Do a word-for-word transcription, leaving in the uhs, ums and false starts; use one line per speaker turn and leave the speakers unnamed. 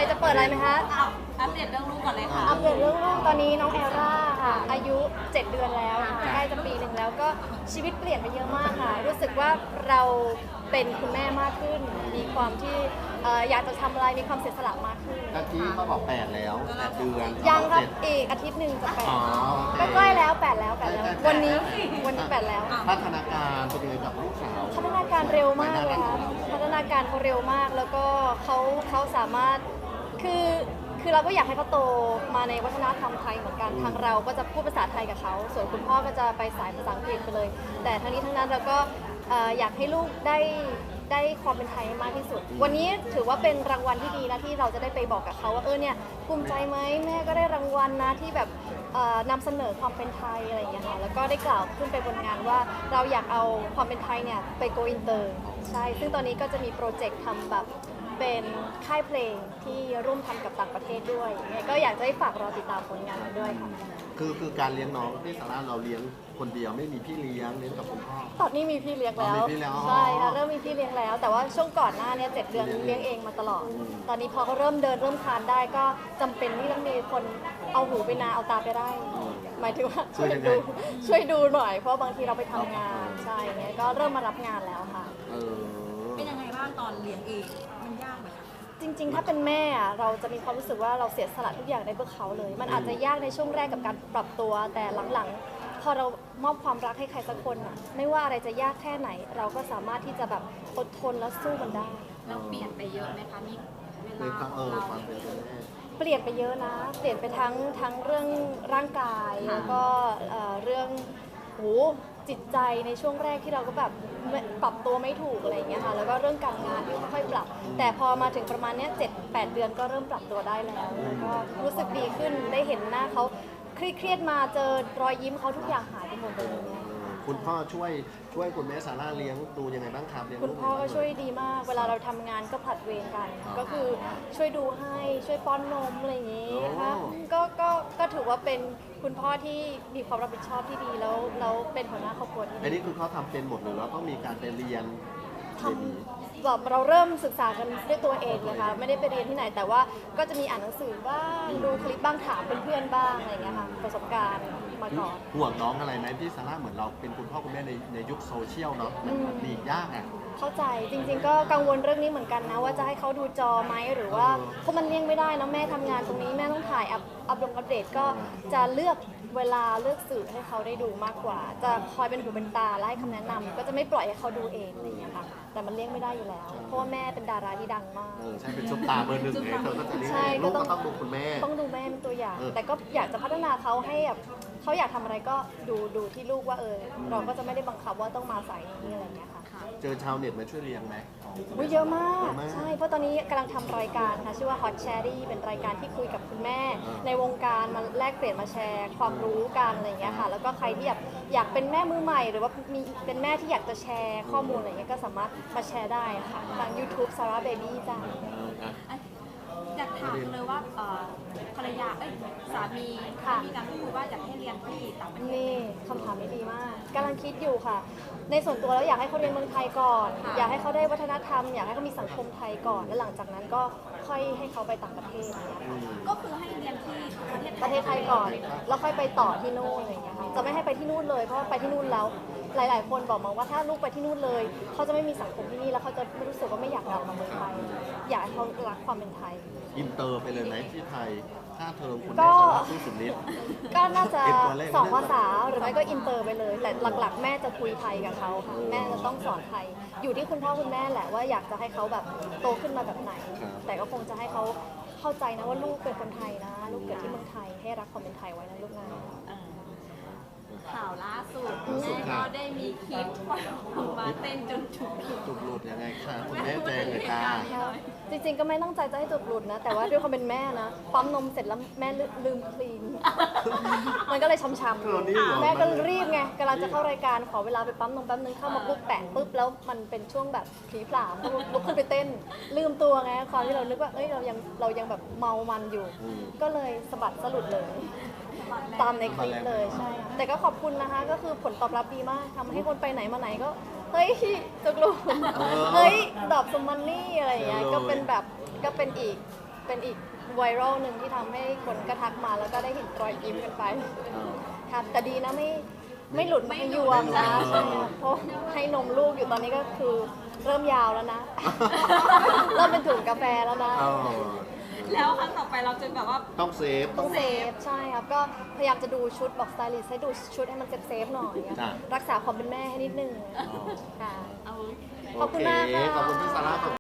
จะเปิดอะไรไหมคะ
อัปเดตเรื่องลูกก่อนเลยค่ะ
อัปเดตเรื่องลูกตอนนี้น้องแอร่าค่ะอายุเจ็ดเดือนแล้วใกล้จะปีหนึ่งแล้วก็ชีวิตเปลี่ยนไปเยอะมากค่ะรู้สึกว่าเราเป็นคุณแม่มากขึ้น มีความที่เอ่ออยากจะทำอะไรมีความเสียสละมากขึ้น
ตะกี้เขาบอกแปดแล้วแปดเดือน
ยังครับ
เจ็ด
อีกอาทิตย์หนึ่งจะแปด
อ๋อโอเค
ใกล้ๆแล้วแปดแล้วแปดแล้ว
ใกล้ๆแปด
วันนี้วันนี้แปดแล้ว
พัฒนาการเป็นยังไงกับลูกสาว
พัฒนาการเร็วมากเลยค่ะพัฒนาการเขาเร็วมากแล้วก็เขาเขาสามารถคือคือเราก็อยากให้เขาโตมาในวัฒนธรรมไทยเหมือนกันทางเราก็จะพูดภาษาไทยกับเขาส่วนคุณพ่อก็จะไปสายภาษาอังกฤษไปเลย แต่ทั้งนี้ทั้งนั้นเราก็เอ่ออยากให้ลูกได้ได้ความเป็นไทยมากที่สุด วันนี้ถือว่าเป็นรางวัลที่ดีนะที่เราจะได้ไปบอกกับเขาว่าเออเนี่ยภูมิใจไหมแม่ก็ได้รางวัลนะที่แบบเอ่อนำเสนอความเป็นไทยอะไรอย่างเงี้ยค่ะแล้วก็ได้กล่าวขึ้นไปบนงานว่าเราอยากเอาความเป็นไทยเนี่ยไปโกอินเตอร์ใช่ซึ่งตอนนี้ก็จะมีโปรเจกต์ทำแบบเป็นค่ายเพลงที่ร่วมทำกับต่างประเทศด้วยยังไงก็อยากจะให้ฝากรอติดตามผลงานด้วยค่ะ
คือคือการเลี้ยงน้องที่ซาร่าเราเลี้ยงคนเดียวไม่มีพี่เลี้ยงเลี้ยงกับคุณพ่อ
ตอนนี้มีพี่เลี้ยงแล้ว
อ๋อมีพี่เลี้ยงอ๋อ
ใช่ค่ะเริ่มมีพี่เลี้ยงแล้ว แต่ว่าช่วงก่อนหน้าเนี้เจ็ดเดือนเลี้ยงเองมาตลอด ตอนนี้พอเขาเริ่มเดินเริ่มคลานได้ก็จำเป็นที่ต้องมีคนเอาหูไปนาเอาตาไปได้ หมายถึงว่าช่วยดูช่วยดูหน่อยเพราะบางทีเราไปทำงานใช่เนี้ยก็เริ่มมารับงานแล้วค่ะ
เออ
เป็นยังไงบ้างตอนเลี้ยงเอง มันยากไหมคะ
จริงๆ ถ้าเป็นแม่อะเราจะมีความรู้สึกว่าเราเสียสละทุกอย่างในเพื่อเขาเลย มันอาจจะยากในช่วงแรกกับการปรับตัว แต่หลังๆ พอเรามอบความรักให้ใครสักคนอะไม่ว่าอะไรจะยากแค่ไหน เราก็สามารถที่จะแบบอดทนและสู้มันได้
เราเปลี่ยนไปเยอะไหมคะมีเว
ใน
ลา
ควา
ข
มเอ
อง
อ
เรา
ความเป็นคุณแม่
เปลี่ยนไปเยอะนะ เปลี่ยนไปทั้งทั้งเรื่องร่างกายแล้วก็เอ่อเรื่องโหจิตใจในช่วงแรกที่เราก็แบบไม่ปรับตัวไม่ถูกอะไรอย่างเงี้ยค่ะ แล้วก็เรื่องการงานที่ค่อยๆปรับ แต่พอมาถึงประมาณเนี้ยเจ็ดแปดเดือนก็เริ่มปรับตัวได้แล้ว แล้วก็รู้สึกดีขึ้น ได้เห็นหน้าเขาเครียดๆมาเจอรอยยิ้มเขาทุกอย่างหายไปหมดเลยเนี่ย
คุณพ่อช่วยช่วยคุณแม่ซาร่าเลี้ยงดูยังไงบ้างครับเลี้ยง
คุณ
ลูก
พ่อก็ช่วยดีมาก เวลาเราทำงานก็ผลัดเวรกัน ก็คือช่วยดูให้ช่วยป้อนนมอะไรอย่างนี้นะคะก็ก็ก็ถือว่าเป็นคุณพ่อที่มีความรับผิดชอบที่ดีแล้วแล้วเป็นหัวหน้าครอบครัวที่
อัน
ดี
นี้คือเขาทำเป็นหมดหรือเราต้องมีการไปเรียน
ท
เบบี
ำแบบเราเริ่มศึกษากันด้วยตัวเองเลยค่ะไม่ได้ไปเรียนที่ไหน แต่ว่าก็จะมีอ่านหนังสือบ้างดูคลิปบ้างถามเพื่อนๆบ้างอะไรอย่างเงี้ยค่ะประสบการณ์มาก่อน
ห่วงน้องอะไรไหมพี่ซาร่าเหมือนเราเป็นคุณพ่อคุณแม่ในในยุคโซเชียลเนาะมันมันมียากอ่ะ
เข้าใจจริงๆก็กังวลเรื่องนี้เหมือนกันนะว่าจะให้เขาดูจอไหมหรือว่า
เออ
เพราะมันเลี่ยงไม่ได้นะแม่ทำงานตรงนี้แม่ต้องถ่ายอัพอัพลงอัปเดตก็จะเลือกเวลาเลือกสื่อให้เขาได้ดูมากกว่า จะคอยเป็นหูเป็นตาและให้คำแนะนำก็จะไม่ปล่อยให้เขาดูเองอะไรอย่างเงี้ยค่ะแต่มันเลี่ยงไม่ได้อยู่แล้ว เพราะว่าแม่เป็นดาราที่ดังมาก
เออใช่เป็นซุปตาเบอร์หนึ่งเลยเธอก็จะเลี้ยง
ใช่
เอง
ก็
ลูก
ต้
ก็
อง
ต้องดูคุณแม่
ต้องดูแม่เป็นตัวอย่าง
เออ
แต่ก็อยากจะพัฒนาเขาให้แบบเขาอยากทำอะไรก็ดูดูที่ลูกว่าเออเราก็จะไม่ได้บังคับว่าต้องมาสายนี้อะไรอย่างเงี้ยค่ะ
เจอชาวเน็ตมาช่วยเลี้ยงไหม
อุ๊ยเยอะมาก
เยอะมาก
ใช่ เพราะตอนนี้กำลังทำรายการค่ะชื่อว่า Hot Cherry เป็นรายการที่คุยกับคุณแม่
อ่า
ในวงการมาแลกเปลี่ยนมาแชร์ความรู้กันอะไรอย่างเงี้ยค่ะ แล้วก็ใครที่อยากอยากเป็นแม่มือใหม่ หรือว่ามีเป็นแม่ที่อยากจะแชร์ข้อมูลอะไรเงี้ยก็สามารถมาแชร์ได้ค่ะทาง YouTube Sarah Baby จ้า
เอออ่ะ
อยากถามเลยว่าเอ่อภรรยา เอ้ย สามี
ค่ะ
มีการพูดคุยว่าอยากให้เรียนที่ต่างประเทศ
นี่คำถามนี้ดีมากกำลังคิดอยู่ค่ะ ในส่วนตัวแล้วอยากให้เขาเรียนเมืองไทยก่อน
ค่ะ
อยากให้เขาได้วัฒนธรรม อยากให้เขามีสังคมไทยก่อน แล้วหลังจากนั้นก็ค่อยให้เขาไปต่างประเทศอะไรอย่างเงี้ยค่ะ
ก็คือให้เรียนที่ประเทศไทย
ประเทศไทยก่อน แล้วค่อยไปต่อที่นู่นอะไรอย่างเงี้ยค่ะจะไม่ให้ไปที่นู่นเลย เพราะว่าไปที่นู่นแล้ว หลาย ๆ คนบอกมาว่าถ้าลูกไปที่นู่นเลย เขาจะไม่มีสังคมที่นี่ แล้วเขาจะไม่รู้สึกว่าไม่อยากกลับมาเมืองไทย อยากให้เขารักความเป็นไทย
อินเตอร์ไปเลยไหมที่ไทยค่าเทอมคุณ
ก็
แม่ซาร่าสู้สุดฤทธิ์
ก็น่าจะ
เก็บตัวเลข
สองภาษาหรือไม่ก็อินเตอร์ไปเลย แต่หลัก ๆ แม่จะคุยไทยกับเขาค่ะ แม่จะต้องสอนไทย อยู่ที่คุณพ่อคุณแม่แหละว่าอยากจะให้เขาแบบโตขึ้นมาแบบไหน แต่ก็คงจะให้เขาเข้าใจนะว่าลูกเป็นคนไทยนะ ลูกเกิดที่เมืองไทย ให้รักความเป็นไทยไว้นะลูกนะ
เอ่อข่าวล่าสุด
ล่าสุด
แม่
ค่ะ
ก็ได้มีคลิปว่าออกมาเต้นจนถูกถูก
จุกหลุดยังไงคะคุณแม่แจงเลยค่ะ
จริงๆ ก็ไม่ตั้งใจจะให้จุกหลุดนะ แต่ว่าด้วยความเป็นแม่นะ ปั๊มนมเสร็จแล้วแม่ลืมคลีน มันก็เลยช้ำ
เออนี่เหรอ
ๆแม่ก็รีบไงกำลังจะเข้ารายการขอเวลาไปปั๊มนมแป๊บนึงเข้ามาปุ๊บแปะปุ๊บแล้วมันเป็นช่วงแบบผลีผลามก็ลุกขึ้นไปเต้น ลืมตัวไงความที่เรานึกว่าเอ้ยเรายังเรายังแบบเมามันอยู่
อืม
ก็เลยสะบัดสะลุดเลย ตามในคลิปเลยใช่ค่ะแต่ก็ขอบคุณนะคะ ก็คือผลตอบรับดีมากทำให้คนไปไหนมาไหนก็ เฮ้ยจุกหลุด
เออ
เฮ้ยดอกสมมันนี่อะไรอย่างเงี้ย
เออ
ก็เป็นแบบก็เป็นอีกเป็นอีกไวรัลหนึ่งที่ทำให้คนก็ทักมาแล้วก็ได้เห็นรอยยิ้มกันไป
เออ
ครับแต่ดีนะไม่ไม่หลุดไม่ยวมนะ
ไม่หลุด
ใช่ครับเพราะให้นมลูกอยู่ตอนนี้ก็คือเริ่มยาวแล้วนะ เริ่มเป็นถุงกาแฟแล้วนะ
เออ
แล้วครั้งต่อไปเราจะแบบว่า
ต้องเซฟ
ต้องเซฟใช่ครับก็พยายามจะดูชุดบอกสไตลิสต์ให้ดูชุดให้มันเซฟเซฟๆหน่อยอะ
จ้ะ
รักษาความเป็นแม่ให้นิดนึง
อ๋อ
ค่ะ
เอา
ขอบคุณมากค่ะ
โอเคขอบคุณพี่ซาร่า